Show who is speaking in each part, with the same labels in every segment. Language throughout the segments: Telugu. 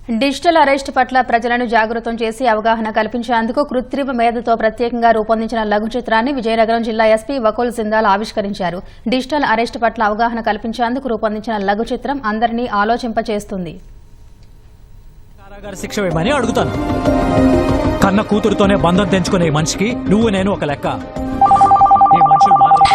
Speaker 1: డిజిటల్ అరెస్ట్ పట్ల ప్రజలను జాగృతం చేసి అవగాహన కల్పించేందుకు కృత్రిమ మేధతో ప్రత్యేకంగా రూపొందించిన లఘు చిత్రాన్ని విజయనగరం జిల్లా ఎస్పీ వకుల్ సిందాల్ ఆవిష్కరించారు. డిజిటల్ అరెస్ట్ పట్ల అవగాహన కల్పించేందుకు రూపొందించిన లఘు చిత్రం అందరినీ ఆలోచింపచేస్తుంది.
Speaker 2: కారాగార శిక్ష వేయమని అడుగుతాను. కన్న కూతురుతోనే బంధం తెంచుకునే మనిషికి నువ్వు నేను ఒక లెక్క. ఈ మనుషులు మారరు.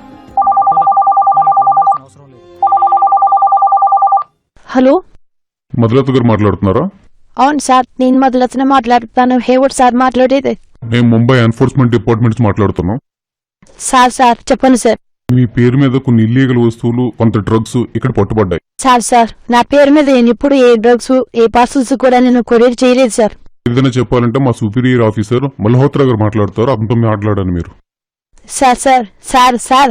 Speaker 3: హలో,
Speaker 4: మధులత గారు మాట్లాడుతున్నారా?
Speaker 3: అవును సార్, నేను మధులతనే మాట్లాడుతాను. హేవర్డ్ సార్ మాట్లాడేది.
Speaker 4: మేము ముంబై ఎన్ఫోర్స్మెంట్ డిపార్ట్మెంట్ మాట్లాడుతున్నాం.
Speaker 3: సార్ చెప్పండి సార్.
Speaker 4: మీ పేరు మీద కొన్ని ఇల్లీగల్ వస్తువులు, కొంత డ్రగ్స్ ఇక్కడ పట్టుబడ్డాయి.
Speaker 3: సార్ నా పేరు మీద నేను ఇప్పుడు ఏ డ్రగ్స్ ఏ పార్సల్స్ కూడా నేను కొరియర్ చేయలేదు సార్.
Speaker 4: ఏదైనా చెప్పాలంటే మా సుపీరియర్ ఆఫీసర్ మల్హోత్రా గారు మాట్లాడతారు. అతనితో మాట్లాడాను. మీరు
Speaker 3: సార్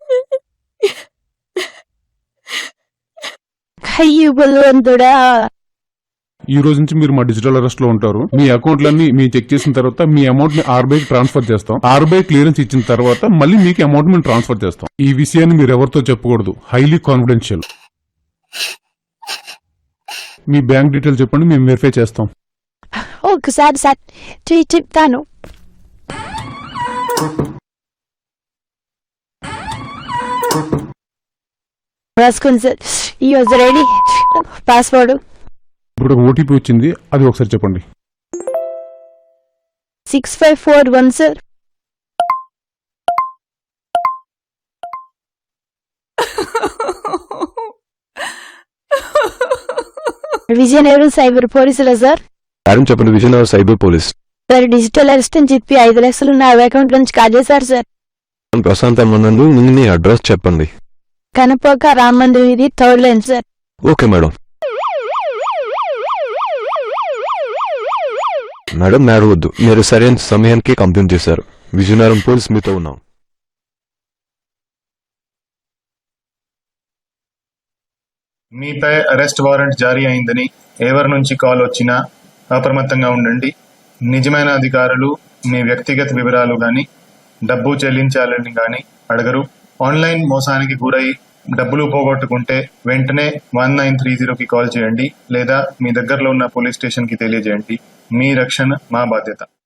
Speaker 3: అయ్యో బలవంతుడా,
Speaker 4: ఈ రోజు నుంచి మీరు మా డిజిటల్ అరెస్ట్ లో ఉంటారు. మీ అకౌంట్లన్నీ మేము చెక్ చేసిన తర్వాత మీ అమౌంట్ ని ఆర్బీఐ ట్రాన్స్ఫర్ చేస్తాం. ఆర్బీఐ క్లియరెన్స్ ఇచ్చిన తర్వాత మళ్ళీ మీకు అమౌంట్ మేము ట్రాన్స్ఫర్ చేస్తాం. ఈ విషయాన్ని మీరు ఎవరితో చెప్పకూడదు. Highly confidential. మీ బ్యాంక్ డీటెయిల్ చెప్పండి, మేము వెరిఫై చేస్తాం.
Speaker 3: ఒకసారి సార్ చెప్తాను. రాసుకోండి సార్. User ID, password.
Speaker 4: ఇప్పుడు ఒక ఓటీపీ వచ్చింది, అది ఒకసారి చెప్పండి.
Speaker 3: 6541 సార్. విజయనగరం సైబర్ పోలీసులా సార్?
Speaker 5: చెప్పండి. Vizianagaram cyber police
Speaker 3: sir, digital arrest అని చెప్పి 5 లక్షలు నా అకౌంట్ నుంచి కాజేశారు సార్.
Speaker 5: ప్రశాంత్ నందు మీ అడ్రస్ చెప్పండి.
Speaker 3: కనపోక రామ్ మందిర్ ఇది 3rd line sir.
Speaker 5: Okay madam. Madam నేరవద్దు, మీరు సరైన సమయానికి కంప్లైంట్ చేశారు. విజయనగరం పోలీస్ మీతో ఉన్నాం.
Speaker 6: మీపై అరెస్ట్ వారెంట్ జారీ అయిందని ఎవరి నుంచి కాల్ వచ్చినా అప్రమత్తంగా ఉండండి. నిజమైన అధికారులు మీ వ్యక్తిగత వివరాలు గాని డబ్బు చెల్లించాలని గాని అడగరు. ఆన్లైన్ మోసానికి గురై డబ్బులు పోగొట్టుకుంటే వెంటనే 1930కి కాల్ చేయండి లేదా మీ దగ్గరలో ఉన్న పోలీస్ స్టేషన్ కి తెలియజేయండి. మీ రక్షణ మా బాధ్యత.